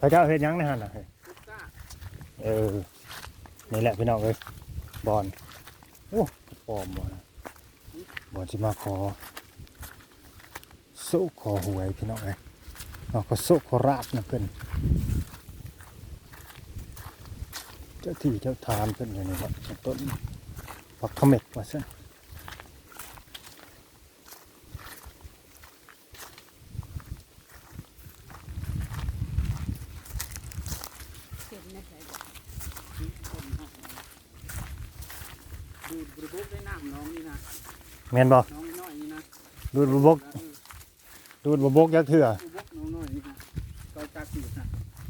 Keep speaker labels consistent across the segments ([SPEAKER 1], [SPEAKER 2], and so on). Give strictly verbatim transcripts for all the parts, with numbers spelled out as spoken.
[SPEAKER 1] เขาจะเอาเฮ็ดหยังในหั่นน่ะเออนี่แหละพี่น้องเอ้ยบอลโอ้ปลอมบ่นะบอลสิมาขอโซขอหวยพี่น้องเอ้ยเอาก็โซขอราบนะเพิ่นเจ้าที่เจ้าทานเพิ่นอยู่นี่ครับต้นผักเขม็ดว่าซั่น
[SPEAKER 2] ดูดบริบกได้น้ำน้องนี่นะ
[SPEAKER 1] แม่นบ่
[SPEAKER 2] น้องน้อยนี่นะ
[SPEAKER 1] ดูดบ่บกดูดบ่บกยักเถื่อบ
[SPEAKER 2] กน้องน้อยนี่นะต่อจากสีนะ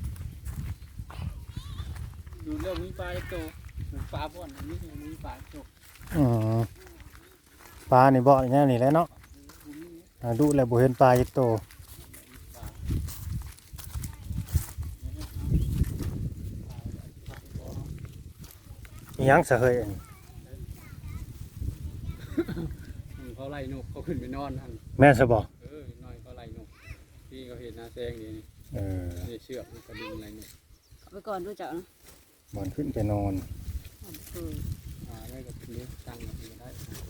[SPEAKER 2] ดูเรื่องมีปลาโตปลาบ่อนนี่มีปลาโต
[SPEAKER 1] อือปลานี่บ่แน่นี่แหละเนาะอ่าดูแล้วบ่เห็นปลาจักโตอิหยังซะเฮ้ย
[SPEAKER 2] เขาไล่นกเขาขึ้นไปนอนทัน
[SPEAKER 1] แม่นซะบ่
[SPEAKER 2] เออน้อยเขาไล่นกพี่เขาเห็นนาแซงนี่
[SPEAKER 1] เออ
[SPEAKER 2] นี่เชือกมันกระดิ่งอะไรนี่
[SPEAKER 3] เอาไปก่อนรู้จักนะ
[SPEAKER 1] บอนขึ้นไปนอน
[SPEAKER 3] เอาไปคืน
[SPEAKER 2] อ่าได้กับนี้ตั้งแบบนี้ได้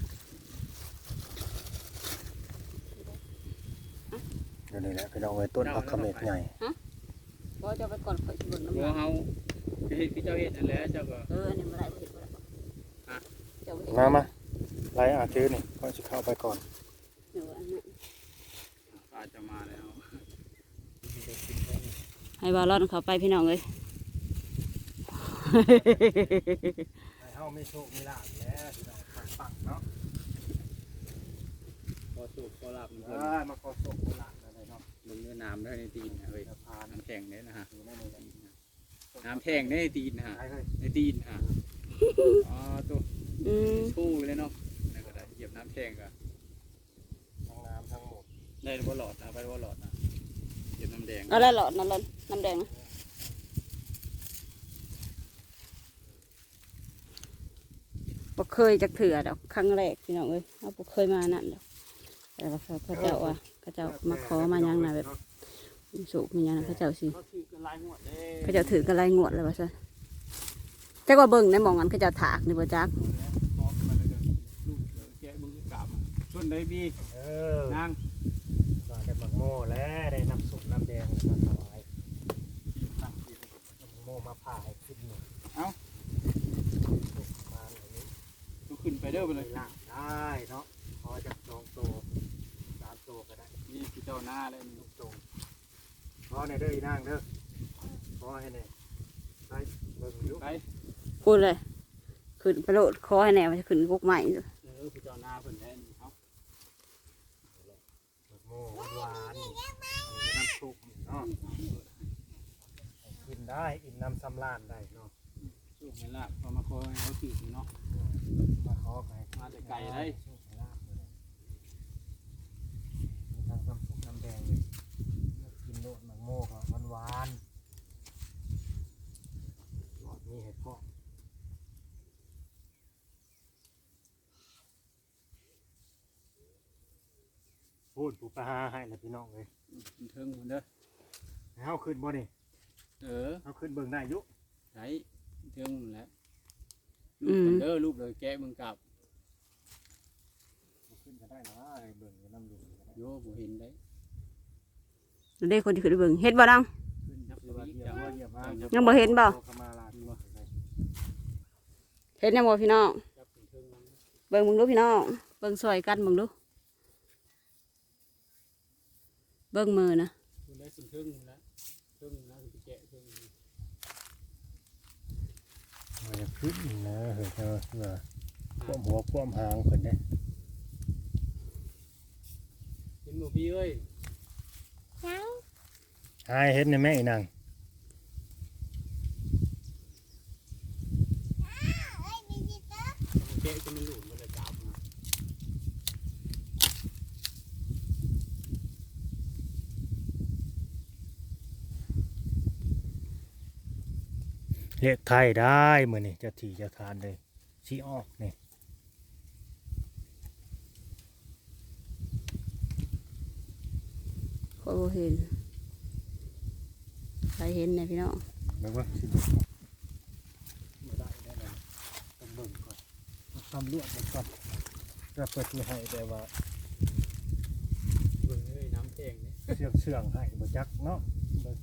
[SPEAKER 1] เดี๋ยวนี้แหละพี่น้องไว้ต้นผักเขม็ดใหญ่
[SPEAKER 3] ก็จะเอาไปก่อนข่อยสิเบิ่งน้ำ
[SPEAKER 2] บัว
[SPEAKER 3] ลาย
[SPEAKER 2] เฮาพี่เจ้าเห็นนั่นแหละเจ้าก็
[SPEAKER 3] เอออันนี้บ่ได้บ่เห็นบ่ได้
[SPEAKER 2] ฮะ
[SPEAKER 3] เจ้าบ่เห็น
[SPEAKER 1] มามาไล่อาถือนี่ก็จะเข้าไปก่อน
[SPEAKER 3] เอออันนั้น
[SPEAKER 2] ปลาจะมาแล้ว
[SPEAKER 3] ให้บาลอนเขาไปพี่น้องเอ้ย
[SPEAKER 1] ให้เฮามีโชคมีลาภแล้วพี่น้องปังๆเนาะ
[SPEAKER 2] พอสุกพอหลับ
[SPEAKER 1] เออมาขอโชคขอลาภอะไรเนาะ
[SPEAKER 2] ลงเนื้อน้ำได้ในตีนนะเฮ้ย
[SPEAKER 1] พา
[SPEAKER 2] น้ำแข็งเนี่ยนะฮะ
[SPEAKER 1] อยู่ในนี้แหละ
[SPEAKER 2] น้ำแข็งได้ในตีนนะฮะ
[SPEAKER 1] ไปเฮ้ย
[SPEAKER 2] ในตีนฮะอ๋อตัว
[SPEAKER 3] อืม
[SPEAKER 2] ชู้เลยเนาะนี่ก็ได้เหยียบน้ำแข็งก็
[SPEAKER 1] ทั้งน้ำทั้งหมด
[SPEAKER 2] ได้บ่หลอดนะไปบ่หลอดนะเหยียบน้ำแดง
[SPEAKER 3] เอาได้หลอดนั่นหลอดน้ำแดงนะบ่เคยจักเถื่อดอกครั้งแรกพี่น้องเอ้ยเอาบ่เคยมานั่นดอกแต่ว่าเขาเขาเจ้าว่าเขาเจ้ามาขอมายังน่ะแบบสุกมีหยังน่ะเขาเจ้าสิ
[SPEAKER 2] เขาถือกันลายหัวเด้
[SPEAKER 3] เขาเจ้าถือกันไล่งวดเลยว่าซะจักว่าเบิ่งในหมองนั้นเขาเจ้าถากนี่บ่จัก
[SPEAKER 2] บอกมาเลยกันลูกแกะมึงกลับชนได้บี
[SPEAKER 1] เออน
[SPEAKER 2] าง
[SPEAKER 1] ว่าได้หมักโม่แล้วได้น้ำซุปน้ำแดงมาถวายน้ำโม่มาผ่าให้ขึ้นหนึ่ง
[SPEAKER 2] เอ้า
[SPEAKER 1] สุกมาอย่างนี้
[SPEAKER 2] ลูกขึ้นไปเด้อไปเลย
[SPEAKER 1] ลาบได้เนาะพอจะสองโตสามโตก็ได้
[SPEAKER 2] นี่พี่เจ้าหน้าเลยนี่
[SPEAKER 1] ลูกโตพอในเด้ออีนางเด้อพอให้เนี่ยไปเบิ่งอยู่
[SPEAKER 2] ไป
[SPEAKER 3] พูดเลยขึ้นไปโลดคอให้แน่มันจะขึ้นกุกใหม่อยู่
[SPEAKER 2] เออพี่เจ้าหน้าเพิ่นแทนเอา
[SPEAKER 1] หมักโม่หวานๆน้ำซุปเนาะกินได้อิ่มน้ำสำราญได้เนาะ
[SPEAKER 2] สู้ไม่ลาบพอมาคอยเอาถือเนาะ
[SPEAKER 1] มาขอไป
[SPEAKER 2] มาแต่ไก่ได้
[SPEAKER 1] โชคลาภเลยมีทั้งน้ำซุปน้ำแดงเลยกินโลดหมักโม่ก็หวานๆหลอดมีเห็ดเพาะพูดปูปลาหาให้นะพี่น้องเลย
[SPEAKER 2] เทิงหมดเด้อ
[SPEAKER 1] ให้เฮาขึ้นบ่นี่
[SPEAKER 2] เออ
[SPEAKER 1] เฮาขึ้นเบิ่งได้อยุ
[SPEAKER 2] ใช้เทิงหมดแล้วลูกเด้อลูกเลยแกะมึงกลับ
[SPEAKER 1] ขึ้นก็ได้นะไอ้เบิ่งอยู่น้ำลุงก็ได้
[SPEAKER 2] โยบ่เห็นได้
[SPEAKER 3] ได้คนที่ขึ้นไปเบิ่งเฮ็ดบ่ดัง
[SPEAKER 2] ขึ้นนับ
[SPEAKER 1] คือว่า
[SPEAKER 2] วิ
[SPEAKER 1] เยี่ย
[SPEAKER 2] จั
[SPEAKER 1] ม
[SPEAKER 2] ง
[SPEAKER 1] ว่าเยี่ยมมาก
[SPEAKER 3] ยังบ่เห็นบ่
[SPEAKER 1] ขอมาลาตัวเลย
[SPEAKER 3] เฮ็ดแน่บ่พี่น้อง
[SPEAKER 2] จับเทิงมัน
[SPEAKER 3] เบิ่งมึงดูพี่น้องเบิ่งซอยกันมึงดูเบิ่งมือนะ
[SPEAKER 2] คุณได้สิเทิงแล้วเทิงแล้วสิแกะเทิง
[SPEAKER 1] มันจะขึ้นนะเฮ้ยเนาะเพื่อความหัวความหางเพิ่นเด้
[SPEAKER 2] เห็นบ่พี่เอ้ย
[SPEAKER 1] หายเห็นในแม่อีนาง
[SPEAKER 2] แกะจะมันหลุดมันจะจับ
[SPEAKER 1] เรียกไทยได้มื้อนี้เจะที่เจะทานเลยสิออกนี่
[SPEAKER 3] ขอยบ่เห็นใครเห็นเนี่ยพี่น้อง
[SPEAKER 1] เบิ่งว่าสิเบิ่งบ่ได้แน่นอนต้องเบิ่งก่อนทำลวดมันก่อนจะเปิดที่ให้แต่ว่า
[SPEAKER 2] เบิ่งเอ้ยน้ำแข็งเนี่ย
[SPEAKER 1] เชื่องเชื่องให้บ่จักเนาะเบิ่ง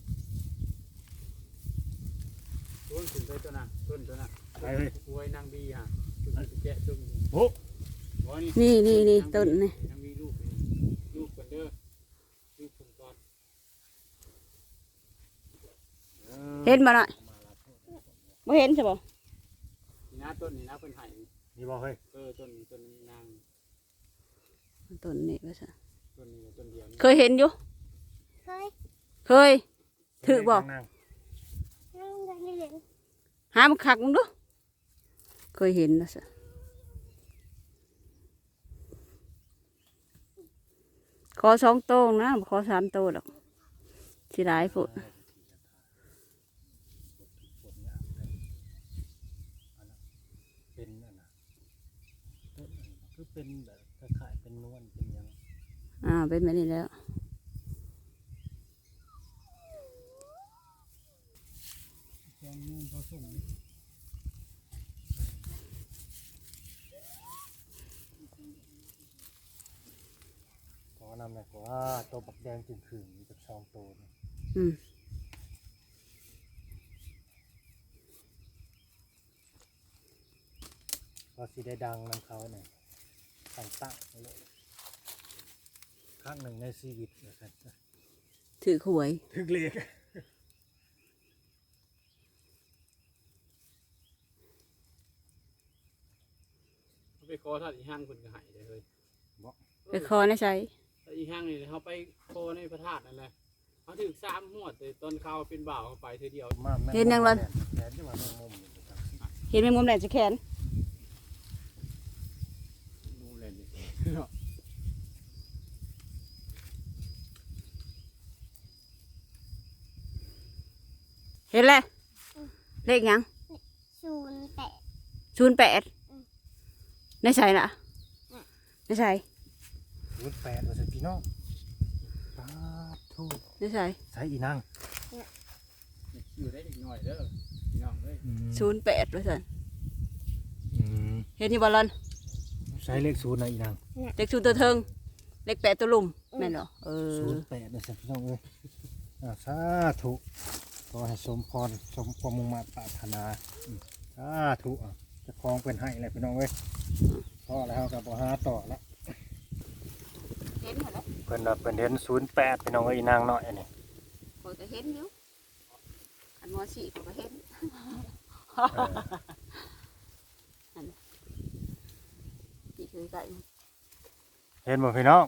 [SPEAKER 2] ต้นขึ้นไปตัวน่ะต้นตัวน่ะ
[SPEAKER 1] ไปเฮ้ย
[SPEAKER 2] อวยนางบีฮะจุดสิแกะจุ่ม
[SPEAKER 1] โอ้
[SPEAKER 2] บ่นี่
[SPEAKER 3] นี่นี่นี่ต้นนี่
[SPEAKER 2] นางบีลูกนี่ลูกกันเด้อลูกผมก่อน
[SPEAKER 3] เห็นบ่น่ะบ่เห็นใช่บ่
[SPEAKER 2] นี่นะต้นนี่นะเพิ่นให้
[SPEAKER 1] นี่บ่เฮ้ย
[SPEAKER 2] เออต้นนี้ต้นนี้นาง
[SPEAKER 3] ต้นนี่ว่าซะ
[SPEAKER 2] ต้นนี้ต้นเดียวนี่
[SPEAKER 3] เคยเห็นอยู่
[SPEAKER 4] เคย
[SPEAKER 3] เคย ถือบ่
[SPEAKER 1] นั่ง
[SPEAKER 4] นั่งได้เห็น
[SPEAKER 3] หามันคักมึงดูเคยเห็นนะซะขอสองโต้งนะบ่ขอสามโต้ดอกสิหลายพุ่น
[SPEAKER 1] เป็นอันน่ะต้นอันน่ะคือเป็นแบบคล้ายๆเป็นนวลเป็นหยัง
[SPEAKER 3] อ่าเป็นแบบนี้แล้ว
[SPEAKER 1] แกงนู่นผสมขอนำหน่อยกว่าตัวบักแดงจึงขึงจากซองโตนี่
[SPEAKER 3] อืม
[SPEAKER 1] ก็สิได้ดังนำเขาหน่อยตั้งตั้งๆเลยครั้งหนึ่งในชีวิตนะครับ
[SPEAKER 3] ถือหวย
[SPEAKER 1] ถึกเล็ก
[SPEAKER 2] เขาไปขอท่านอีห้างเพิ่นก็ให้ได้เฮ้ย
[SPEAKER 3] ไปขอในใช้
[SPEAKER 2] ถ้าอีห้างนี่เขาไปขอในพระธาตุนั่นแหละเขาถึงสามหมวดแต่ตอนเขาเป็นบ่าวเขาไปเธอเดียว
[SPEAKER 1] มาแม่
[SPEAKER 3] เห็นยังล่ะ
[SPEAKER 1] แขนที่ว่าแมงมุมอยู่ครับ
[SPEAKER 3] เห็นแมงมุมแหลมจะแขน
[SPEAKER 2] ดูเลยนี่
[SPEAKER 3] เห็นเลยเลขหยัง
[SPEAKER 4] ศูนย์แปด
[SPEAKER 3] ศูนย์แปดในใช่น่ะในใช่
[SPEAKER 1] รุ่นแปดว่าสิพี่น้องปาดทูก
[SPEAKER 3] ในใช่
[SPEAKER 1] ใช้อีนาง
[SPEAKER 2] อยู่ได้อีกหน่อยเด้อพี่น้องเอ้ย
[SPEAKER 3] ศูนย์แปดว่าสัน
[SPEAKER 1] อืม
[SPEAKER 3] เห็นที่บอลลอน
[SPEAKER 1] ใช้เลขศูนย์นะอีนาง
[SPEAKER 3] เลขศูนย์ตัวเทิงเลขแปดตัวลุ่มแม่นเหรอเออ
[SPEAKER 1] ศูนย์แปดนะสิพี่น้องเอ้ยอ่าสาธุขอให้สมพรสมความมุ่งมั่นปรารถนาอืมสาธุอ่ะเจะคลองเป็นให้เลยพี่น้องเอ้ยพอแล้วกับบ่หาต่อละ
[SPEAKER 3] เห็นหมดแล้ว
[SPEAKER 1] เพิ่นว่าเพิ่นเห็นศูนย์แปดพี่น้องเอ้ยอีนางน้อยอันนี้
[SPEAKER 3] คอยก็เห็นอยู่อันมอสี่คอยก็เห็น
[SPEAKER 1] เออ
[SPEAKER 3] พี่เคยใส่
[SPEAKER 1] เห็นบ่พี่น้อง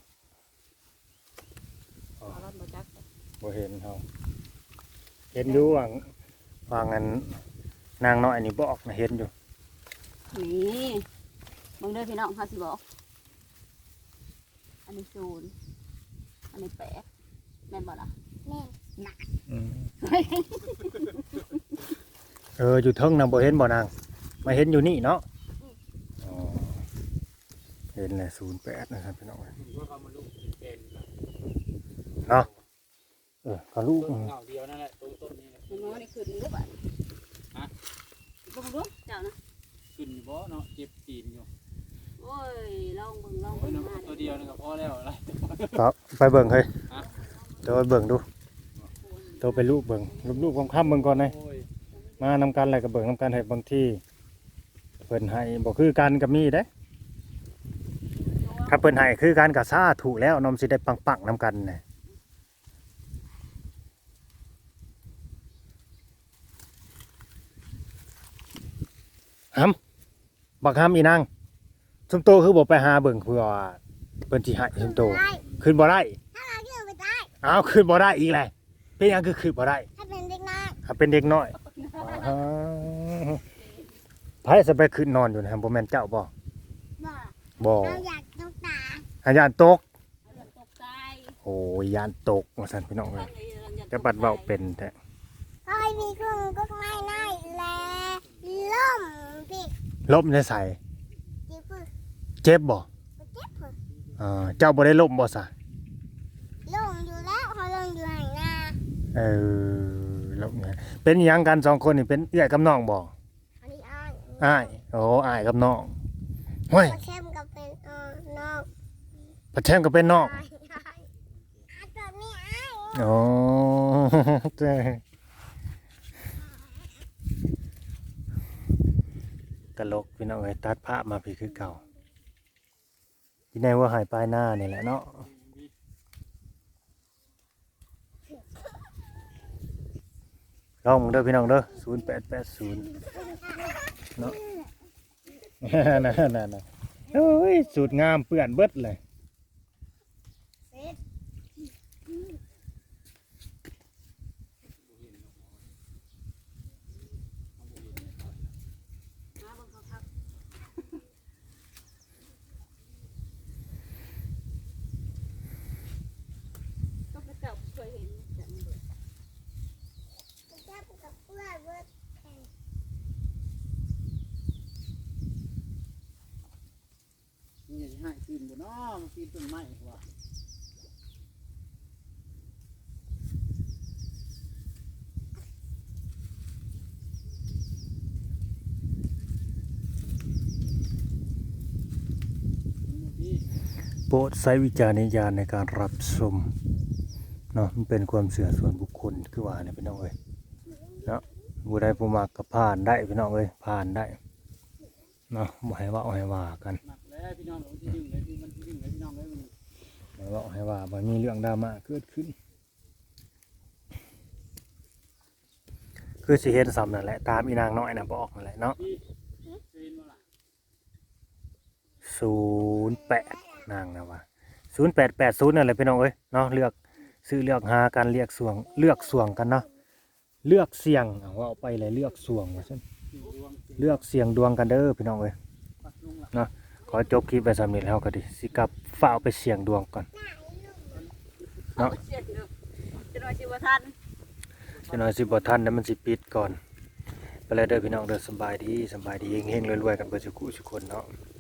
[SPEAKER 3] บอลลอนบอจัก
[SPEAKER 1] บ่เห็นเฮาเห็นอยู่ว่างว่างั้นนางน้อยนี่บอกนะเห็นอยู่
[SPEAKER 3] นี่มึงเด้อพี่น้องเขาสิบอกอันนี้ศูนย์อันนี้แปดแม่นบอล่ะ
[SPEAKER 4] แม่น
[SPEAKER 1] อืมเอออยู่เทิงนางบ่เห็นบ่นางมาเห็นอยู่นี่เนาะอ๋อเห็นแหละศูนย์แปดนะครับพี่น้องเอ้ย
[SPEAKER 2] ผมว่าเขามาลูกเป็น
[SPEAKER 1] เนาะเออก็ลูก
[SPEAKER 2] ต้นเงาเดียวนั่นแหละต้นต้นนี้แหละ
[SPEAKER 3] มันมอนี่ขึ้นรูปอ่ะ
[SPEAKER 2] ฮะ
[SPEAKER 3] ลงรูปเจ้านะ
[SPEAKER 2] ขึ้นอยู่บ่เนาะเจ็บตีนอยู่
[SPEAKER 3] โอ้ยลองเบิ่งลอง
[SPEAKER 2] โอ้ย
[SPEAKER 3] เบิ่ง
[SPEAKER 2] น้ำ
[SPEAKER 3] มา
[SPEAKER 2] ตัวเดียวนี่ก็พอแล้วอะไร
[SPEAKER 1] ก็ไปเบิ่งเฮ้ย
[SPEAKER 2] ฮะ
[SPEAKER 1] ตัวไปเบิ่งดูตัวไปลูกเบิ่งลูกลูกๆค่ำๆเบิ่งก่อนเลย
[SPEAKER 2] โอ้ย
[SPEAKER 1] มานำกันอะไรก็เบิ่งนำกันให้บางที่เพิ่นให้บ่คือกันก็มีเด้ถ้าเพิ่นให้คือกันก็สาธุแล้วนมสิได้ปังๆนำกันน่ะหำบักหำอีนางซุมโตคือบ่ไปหาเบิ่งเพื่อว่าเพิ่นสิให้ซุมโต
[SPEAKER 4] ได้
[SPEAKER 1] ขึ้นบ่ได้
[SPEAKER 4] ถ้าเราเชื่อไปได้
[SPEAKER 1] อ้าวขึ้นบ่ได้อีกแหละเป็นหยังคือขึ้นบ่ได้
[SPEAKER 4] ถ้าเป็นเด็กน้อย
[SPEAKER 1] ถ้าเป็นเด็กน้อยอ๋อไผสิไปขึ้นนอนอยู่นะบ่แม่นเจ้าบ่
[SPEAKER 4] บอก
[SPEAKER 1] บ่
[SPEAKER 4] เราอยากต้องตา
[SPEAKER 1] อาญานตก
[SPEAKER 3] ตกใจ
[SPEAKER 1] โอ้ยยานตกว่าซั่นพี่น้องเอ้ยแต่บัดเว้าเป็นแท้
[SPEAKER 4] ก็ให้มีเครื่องก็ไม่ได้แลล่มพี่
[SPEAKER 1] ล้มในใส่
[SPEAKER 4] จิ๊บปึ๊บ
[SPEAKER 1] เจ็บบ่
[SPEAKER 4] เจ็บปึ๊บ
[SPEAKER 1] อ่าเจ้าบ่ได้ล้มบ่ซะ
[SPEAKER 4] ล่มอยู่แล้วเขาลงอยู่ห่างหน้า
[SPEAKER 1] เออลลูกเนี่ยเป็นหยังกันสองคนนี่เป็นเอื้อยกับน้องบ่
[SPEAKER 4] อันนี้อ้าย
[SPEAKER 1] อ้ายโอ้อ้ายกับน้องห้วย
[SPEAKER 4] ปลาเข้มกับเป็นเอ่อนอก
[SPEAKER 1] ปะแช่มก็เป็นน้อง
[SPEAKER 4] อ้ายอ้ายอ้ายแบบนี้อ้าย
[SPEAKER 1] โอ้เจ้ตลกพี่น้องเอ้ยตัดภาพมาพี่คือเก่าที่ไหนว่าหายปลายหน้านี่แหละเนาะลองมึงเด้อพี่น้องเด้อศูนย์แปดแปดศูนย์เนาะ นั่นนั่นนั่นโอ้ยสูตรงามเปื้อนเบิดเลย
[SPEAKER 4] เสร็จ
[SPEAKER 3] ก็เจ้าเคยเห็นจังเลย
[SPEAKER 4] ปลาเข้มกับเพื่อนเบิดแข่ง
[SPEAKER 2] นี่จะให้ปีนบ่เนาะมันปีนต้นไม้ว่ะนี่
[SPEAKER 1] โปรดใช้วิจารณญาณในการรับชมเนาะมันเป็นความเสื่อส่วนบุคคลคือว่าเนี่ยพี่น้องเอ้ยเนาะผู้ใดผู้มักก็ผ่านได้พี่น้องเอ้ยผ่านได้เนาะบ่ให้ว่าเอาให้ว่ากัน
[SPEAKER 2] หนักแล้วพี่น้องมันที่ดึงเลยพี่มันที่ดึงเลยพี่น้องเลยมัน
[SPEAKER 1] บ่ให้ว่าเอาให้ว่าบ่มีเรื่องดราม่าเกิดขึ้น คือสิเห็นซ้ำนั่นแหละตามอีนางน้อยน่ะบอกนั่นแหละเนาะ
[SPEAKER 2] พี่เคยเห็นบ่ล่ะ
[SPEAKER 1] ศูนย์แปดนางนะว่าศูนย์แปดแปดศูนย์นั่นแหละพี่น้องเอ้ยเนาะเลือกซื้อเลือกหากันเลือกส่วงเลือกส่วงกันเนาะเลือกเสี่ยงเอาว่าเอาไปเลยเลือกส่วงว่าซั่น
[SPEAKER 2] สี่ดวง
[SPEAKER 1] เลือกเสี่ยงดวงกันเด้อพี่น้องเอ้ย
[SPEAKER 2] ปักลงล่ะ
[SPEAKER 1] เนาะขอจบคลิปไปสำเร็จแล้วก็ดิสิกลับฝ้ากไปเสี่ยงดวงก่อน เนาะ
[SPEAKER 3] เสียเนาะจะน้อยสิบ่ทัน
[SPEAKER 1] จะน้อยสิบ่ทันแล้วมันสิปิดก่อนไปเลยเด้อพี่น้องเด้อสำบายดีสำบายดีเฮงๆรวยๆกันเบิดทุกคู่ทุกคนเนาะ